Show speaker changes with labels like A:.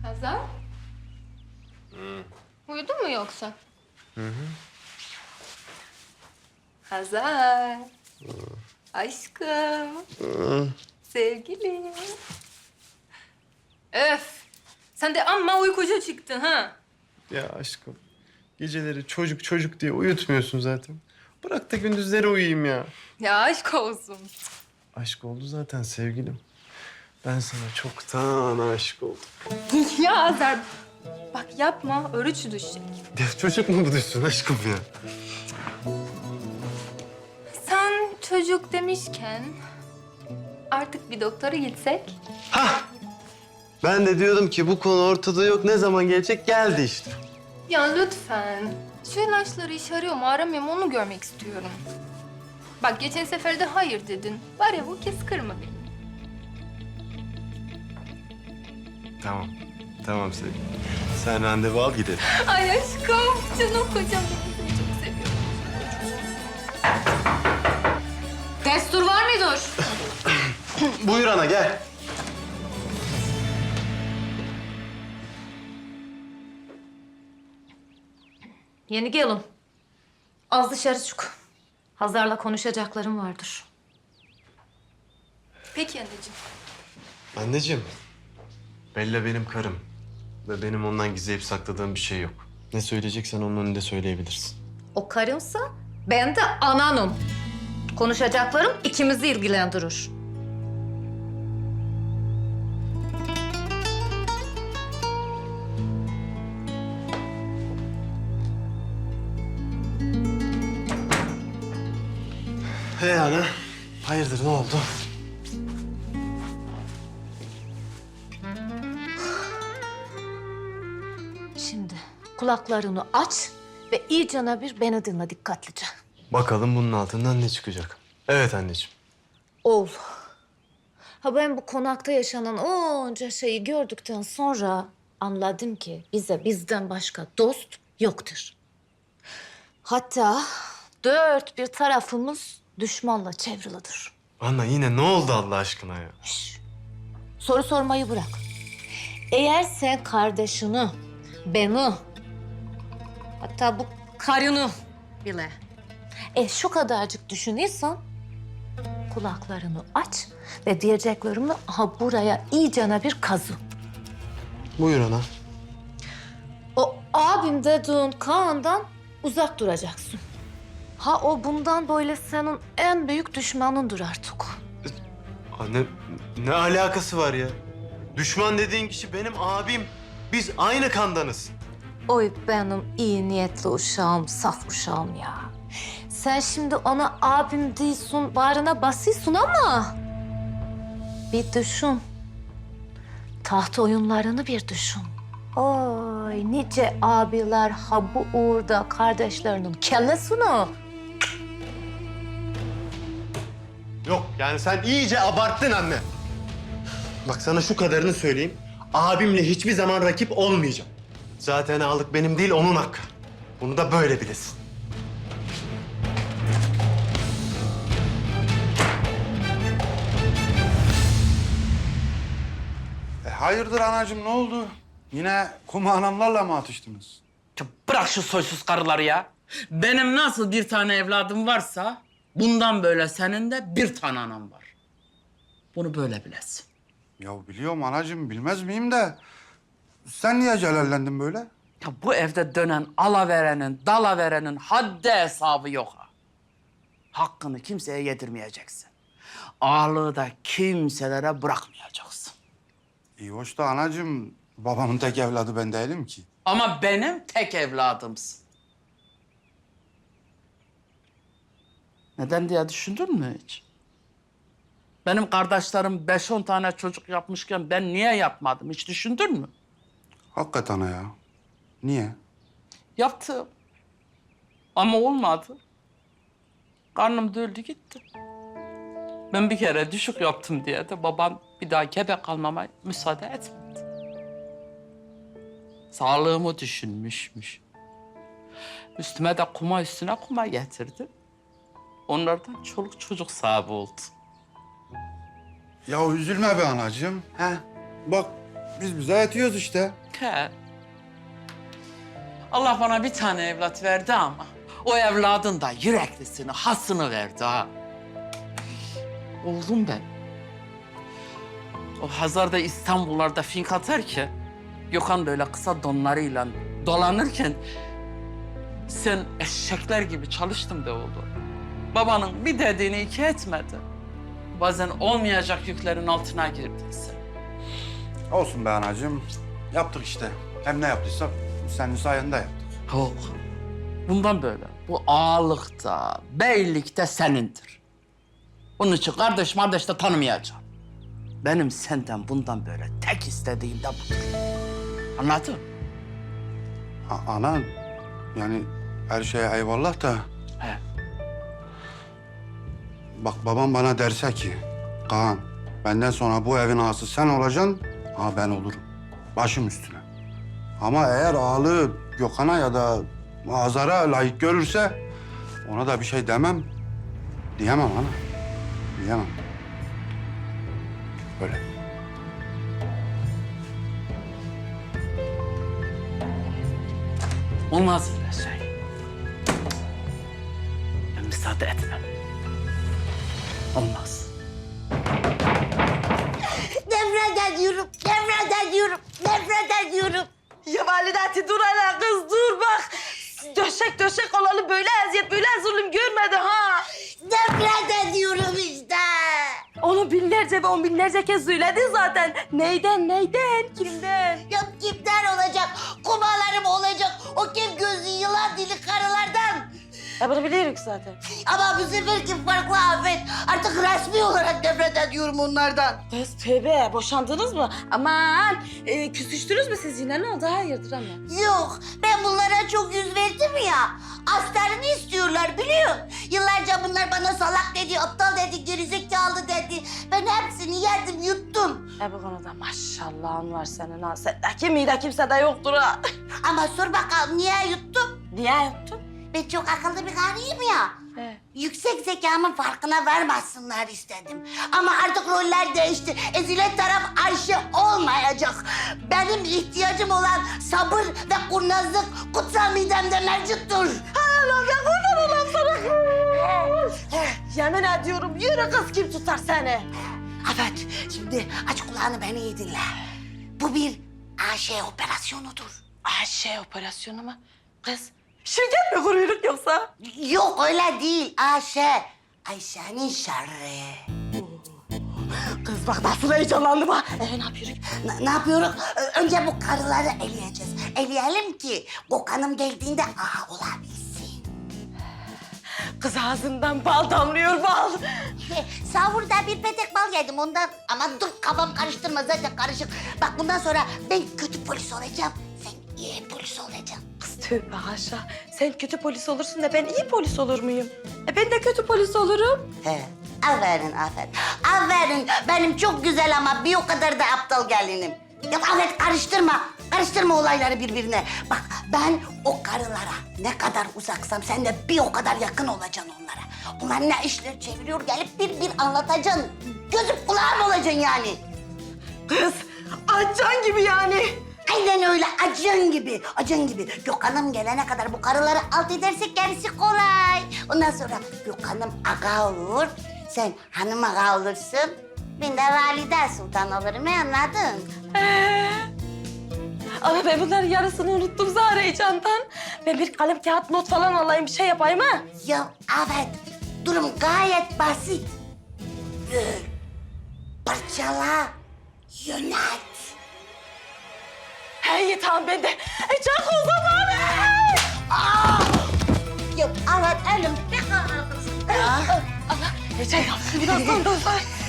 A: Hazar? Uyudun mu yoksa? Hazar. Aşkım. Sevgilim. Öf. Sen de amma uykucu çıktın ha.
B: Ya aşkım, geceleri çocuk çocuk diye uyutmuyorsun zaten. Bırak da gündüzleri uyuyayım ya.
A: Ya aşk olsun.
B: Aşk oldu zaten sevgilim. Ben sana çoktan aşık oldum.
A: Ya Hazar. Bak yapma, örüç düşecek.
B: Ya çocuk mu bu düşsün aşkım ya?
A: Sen çocuk demişken artık bir doktora gitsek.
B: Ben de diyordum ki bu konu ortada yok. Ne zaman gelecek? Geldi işte.
A: Ya lütfen. Şu ilaçları işe arıyor mu aramıyor mu onu görmek istiyorum. Bak geçen sefer de hayır dedin. Var ya bu kez kırma beni.
B: Tamam. Tamam sevgilim. Sen randevu al gidelim.
A: Ay aşkım canım kocam seni çok seviyorum. Destur var mıdır?
B: Buyur ana gel.
C: Yeni gelin. Az dışarı çık. Hazar'la konuşacaklarım vardır.
A: Peki anneciğim.
B: Anneciğim, Bella benim karım. Ve benim ondan gizleyip sakladığım bir şey yok. Ne söyleyeceksen onun önünde söyleyebilirsin.
C: O karınsa ben de ananım. Konuşacaklarım ikimizi ilgilendirir.
B: Hey ana, hayırdır ne oldu?
C: Şimdi kulaklarını aç ve iyicene bir beni dinle dikkatlice.
B: Bakalım bunun altından ne çıkacak? Evet anneciğim.
C: Oğul. Ha ben bu konakta yaşanan onca şeyi gördükten sonra anladım ki bize bizden başka dost yoktur. Hatta dört bir tarafımız düşmanla çevrilidir.
B: Anne yine ne oldu Allah aşkına ya?
C: Soru sormayı bırak. Eğer sen kardeşini, beni, hatta bu karını bile şu kadarcık düşünüyorsan kulaklarını aç ve diyeceklerimi aha buraya iyicene bir kazı.
B: Buyur ana.
C: O abim dediğin Kaan'dan uzak duracaksın. Ha o bundan böyle senin en büyük düşmanındır artık.
B: Anne ne alakası var ya? Düşman dediğin kişi benim abim. Biz aynı kandanız.
C: Oy benim iyi niyetli uşağım, saf uşağım ya. Sen şimdi ona abim değilsin, bağrına basıyorsun ama... Bir düşün. Taht oyunlarını bir düşün. Oy nice abiler ha bu uğurda kardeşlerinin kellesini...
B: Yok yani sen iyice abarttın anne. Bak sana şu kadarını söyleyeyim. Abimle hiçbir zaman rakip olmayacağım. Zaten ağalık benim değil onun hakkı. Bunu da böyle bilesin.
D: Hayırdır anacığım ne oldu? Yine kuma anamlarla mı atıştınız?
E: Ya bırak şu soysuz karıları ya. Benim nasıl bir tane evladım varsa bundan böyle senin de bir tane anam var. Bunu böyle bilesin.
D: Ya biliyorum anacığım bilmez miyim de... Sen niye celallendin böyle?
E: Ya bu evde dönen alaverenin, dalaverenin haddi hesabı yok ha. Hakkını kimseye yedirmeyeceksin. Ağalığı da kimselere bırakmayacaksın.
D: İyi hoş da anacığım babamın tek evladı ben değilim ki.
E: Ama benim tek evladımsın. Neden diye düşündün mü hiç? Benim kardeşlerim 5-10 tane çocuk yapmışken ben niye yapmadım hiç düşündün mü?
D: Hakikaten ya. Niye?
E: Yaptım. Ama olmadı. Karnım döldü gitti. Ben bir kere düşük yaptım diye de babam bir daha gebe kalmama müsaade etmedi. Sağlığımı düşünmüşmüş. Üstüme de kuma üstüne kuma getirdi. Onlardan çoluk çocuk sahibi oldu.
D: Ya üzülme be anacığım. He? Bak Biz bize yetiyoruz işte.
E: He. Allah bana bir tane evlat verdi ama o evladın da yüreklisini, hasını verdi ha. Oğlum ben. O Hazar'da İstanbullarda fink atarken, Gökhan böyle kısa donlarıyla dolanırken sen eşekler gibi çalıştın be oğlum. Babanın bir dediğini iki etmedi. Bazen olmayacak yüklerin altına girdin sen.
D: Olsun be anacığım. Yaptık işte. Hem ne yaptıysak senin sayende yaptık.
E: Yok. Bundan böyle. Bu ağalıkta, beylikte senindir. Onun için kardeş de tanımayacağım. Benim senden bundan böyle tek istediğim de budur. Anladın?
D: Ana, yani her şeye eyvallah da...
E: He.
D: Bak babam bana derse ki... Kaan, benden sonra bu evin ağası sen olacaksın, ha ben olurum. Başım üstüne. Ama eğer ağalığı Gökhan'a ya da Hazar'a layık görürse... ona da bir şey demem. Diyemem ana. Diyemem. Böyle.
E: Olmaz öyle şey. Ben müsaade etmem. Olmaz.
F: Nefret ediyorum, nefret ediyorum, nefret ediyorum.
G: Ya validati dur hele kız dur bak. Döşek olalı böyle eziyet böyle zulüm görmedi ha.
F: Nefret ediyorum işte.
G: Onu binlerce ve on binlerce kez söyledin zaten. Neyden, kimden?
F: Ya kimden olacak? Kumalarım olacak. O kim gözü yılan dili karılardan.
G: Ya bunu biliyoruz zaten.
F: Ama bu seferki farklı Afet. Artık resmi olarak nefret ediyorum onlardan.
G: Kız tövbe boşandınız mı? Aman küsüştünüz mü siz yine ne oldu hayırdır ama?
F: Yok, ben bunlara çok yüz verdim ya. Aslarını istiyorlar biliyor. Yıllarca bunlar bana salak dedi, aptal dedi, gerizekalı dedi. Ben hepsini yedim, yuttum.
G: Bu konuda maşallahın var senin ha. Sendeki mide kimsede yoktur ha.
F: Ama sor bakalım niye yuttum?
G: Niye yaptın?
F: Ben çok akıllı bir karıyım ya. Yüksek zekamın farkına varmasınlar istedim. Ama artık roller değişti. Ezilet taraf Ayşe olmayacak. Benim ihtiyacım olan sabır ve kurnazlık kutsal midemde mevcuttur.
G: Hay Allah ben kurban olam sana. Yemin ediyorum yürü kız kim tutar seni?
F: Evet, şimdi aç kulağını beni iyi dinle. Bu bir AŞ operasyonudur.
G: Ayşe operasyonu mu? Kız şirket mi kuruyoruz yoksa?
F: Yok öyle değil AŞ. Ayşe'nin şerri.
G: Kız bak nasıl heyecanlandım ha. Ne yapıyoruz?
F: Ne yapıyoruz? Önce bu karıları eleyeceğiz. Eleyelim ki Gökhan'ım geldiğinde aha olabilsin.
G: Kız ağzından bal damlıyor bal.
F: Sahurda bir petek bal yedim ondan. Ama dur kafam karıştırma zaten karışık. Bak bundan sonra ben kötü polis olacağım. Sen iyi polis olacaksın.
G: Kız tövbe haşa. Sen kötü polis olursun da ben iyi polis olur muyum? Ben de kötü polis olurum.
F: He. Aferin, aferin. Aferin. Benim çok güzel ama bir o kadar da aptal gelinim. Ya Afet karıştırma. Karıştırma olayları birbirine. Bak ben o karılara ne kadar uzaksam sen de bir o kadar yakın olacaksın onlara. Onlar ne işler çeviriyor gelip bir anlatacaksın. Gözüm kulağım olacaksın yani.
G: Kız açan gibi yani.
F: Aynen öyle acın gibi, acın gibi. Gökhan'ım gelene kadar bu karıları alt edersek gerisi kolay. Ondan sonra Gökhan'ım aga olur, sen hanım aga olursun. Ben de valide sultan olurum, anladın?
G: Ama ben bunların yarısını unuttum Zahra heyecandan. Ben bir kalem kağıt not falan alayım bir şey yapayım ha.
F: Ya evet, durum gayet basit. Böl, parçala, yönet.
G: Hey tamam ben de. Çok o zaman.
F: Ya evet elim ne kadar kızım.
G: Allah, heyecan yaptım birazdan da.